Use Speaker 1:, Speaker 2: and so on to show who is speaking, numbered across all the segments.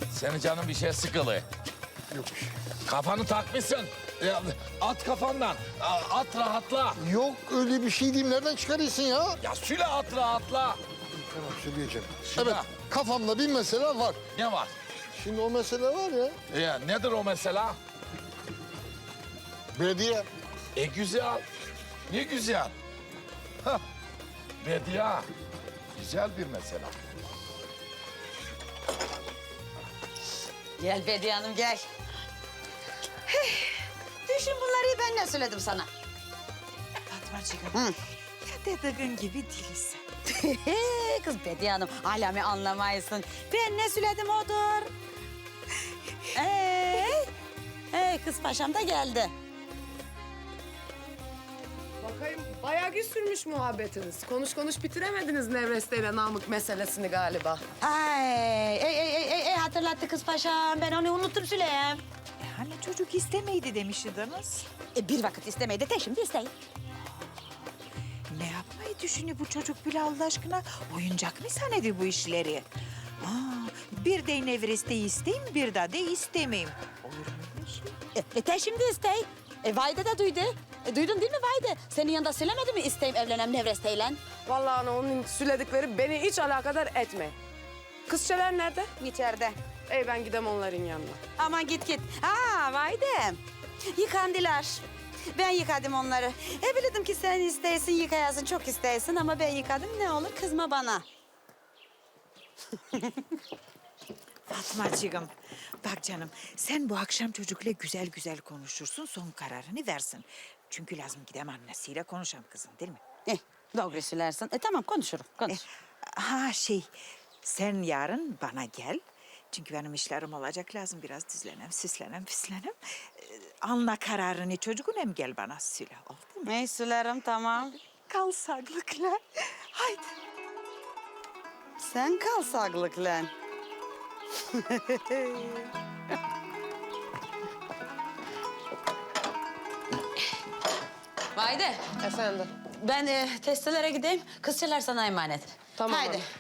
Speaker 1: Senin canın bir şey sıkılı.
Speaker 2: Yok bir şey.
Speaker 1: Kafanı takmışsın. Ya, at kafandan. At rahatla.
Speaker 2: Yok öyle bir şey diyeyim. Nereden çıkarıyorsun ya?
Speaker 1: Ya süle at rahatla.
Speaker 2: Tamam söyleyeceğim.
Speaker 1: Şuna.
Speaker 2: Evet kafamda bir mesele var.
Speaker 1: Ne var?
Speaker 2: Şimdi o mesele var ya.
Speaker 1: Ya, nedir o mesela?
Speaker 2: Belediye.
Speaker 1: Güzel. Ne güzel. Hah. Bediye. Güzel bir mesela.
Speaker 3: Gel Bediye Hanım gel. Düşün bunları ben ne söyledim sana?
Speaker 4: Fatmacığım. Ya dediğin gibi değilsin.
Speaker 3: Kız Bediye Hanım alemi anlamayısın. Ben ne söyledim odur. Kız paşam da geldi.
Speaker 5: Bakayım bayağı gün sürmüş muhabbetiniz. Konuş konuş bitiremediniz Nevreste ile Namık meselesini galiba.
Speaker 3: Hatırlattı kız paşam. Ben onu unuttum Süleyem.
Speaker 4: Hani çocuk istemeydi demiştiniz.
Speaker 3: Bir vakit istemeydi de şimdi isteyin.
Speaker 4: Ne yapmayı düşünüyor bu çocuk bile Allah aşkına? Oyuncak mı zannediyor bu işleri? Bir de Nevreste'yi isteyeyim, bir daha de istemeyeyim. Olur mu öyle şey?
Speaker 3: Şimdi isteyin. Vayde de duydu. Duydun değil mi Vayde? Senin yanında söylemedi mi isteyim evlenem Nevreste'yle?
Speaker 5: Vallahi ana onun söyledikleri beni hiç alakadar etme. Kızçeler nerede?
Speaker 3: İçeride.
Speaker 5: Ben gidem onların yanına.
Speaker 3: Aman git. Vayde. Yıkandılar. Ben yıkadım onları. Bilirdim ki sen isteyesin, yıkayasın, çok isteyesin ama ben yıkadım. Ne olur kızma bana.
Speaker 4: Fatmacığım, bak canım sen bu akşam çocukla güzel güzel konuşursun, son kararını versin. Çünkü lazım gidem annesiyle konuşalım kızım değil mi?
Speaker 3: Doğru söylersin. Tamam konuşurum. Konuş.
Speaker 4: Sen yarın bana gel. Çünkü benim işlerim olacak lazım biraz düzlenem, süslenem, püslenem. Anla kararını çocuğun hem gel bana söyle oldu mu?
Speaker 3: Söylerim tamam.
Speaker 4: Kal sağlıkla. Haydi.
Speaker 3: Sen kal sağlıkla. Vayde.
Speaker 5: Efendim.
Speaker 3: Ben testelere gideyim. Kızçalar sana emanet.
Speaker 5: Tamam
Speaker 3: Haydi.
Speaker 5: hanım.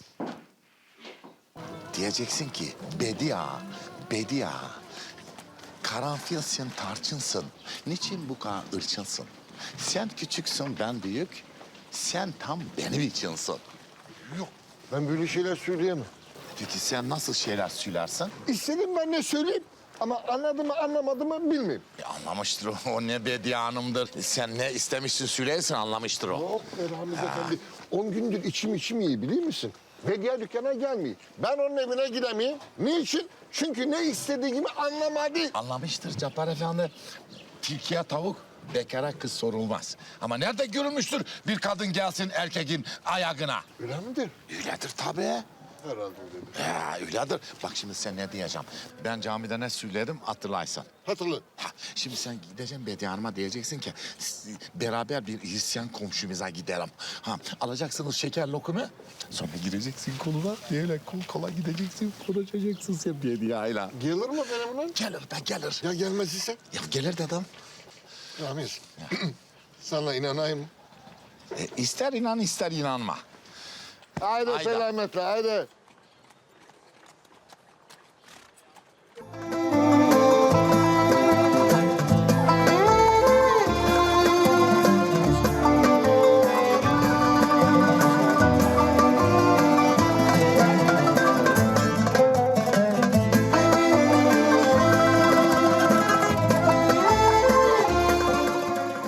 Speaker 1: Diyeceksin ki Bediye. Karanfilsin, tarçınsın. Niçin bu kadar ırçınsın? Sen küçüksün, ben büyük. Sen tam benim içinsin.
Speaker 2: Yok ben böyle şeyler söyleyemem.
Speaker 1: Peki sen nasıl şeyler söylersin?
Speaker 2: İstedim ben ne söyleyeyim. Ama anladı mı anlamadı mı bilmiyorum.
Speaker 1: Anlamıştır o. O ne Bediye Hanım'dır. Sen ne istemişsin söylersin anlamıştır o.
Speaker 2: Yok Rahmet Efendi. 10 gündür içim iyi biliyor musun? Bediye dükkana gelmiyor. Ben onun evine gidemeyim. Niçin? Çünkü ne istediğimi anlamadı.
Speaker 1: Anlamıştır Cabbar Efendi. Tilkiye tavuk, bekara kız sorulmaz. Ama nerede görülmüştür bir kadın gelsin erkeğin ayağına?
Speaker 2: Öyle midir?
Speaker 1: Öyledir tabii.
Speaker 2: Herhalde öyledir.
Speaker 1: Öyledir. Bak şimdi sen ne diyeceğim. Ben camide ne söyledim hatırlaysan.
Speaker 2: Hatırla.
Speaker 1: Şimdi sen gideceksin Bediye Hanım'a diyeceksin ki beraber bir Hristiyan komşumuza gidelim. Alacaksınız şeker lokumu. Sonra gireceksin koluna. Böyle kol kola gideceksin. Konuşacaksın sen Bediye'yle.
Speaker 2: Gelir mi benimle?
Speaker 1: Gelir be gelir.
Speaker 2: Ya gelmez ise?
Speaker 1: Ya gelir dedim.
Speaker 2: Ramiz. Sana inanayım mı?
Speaker 1: İster inan ister inanma.
Speaker 2: Haydi
Speaker 1: Haydi.
Speaker 2: selametle haydi.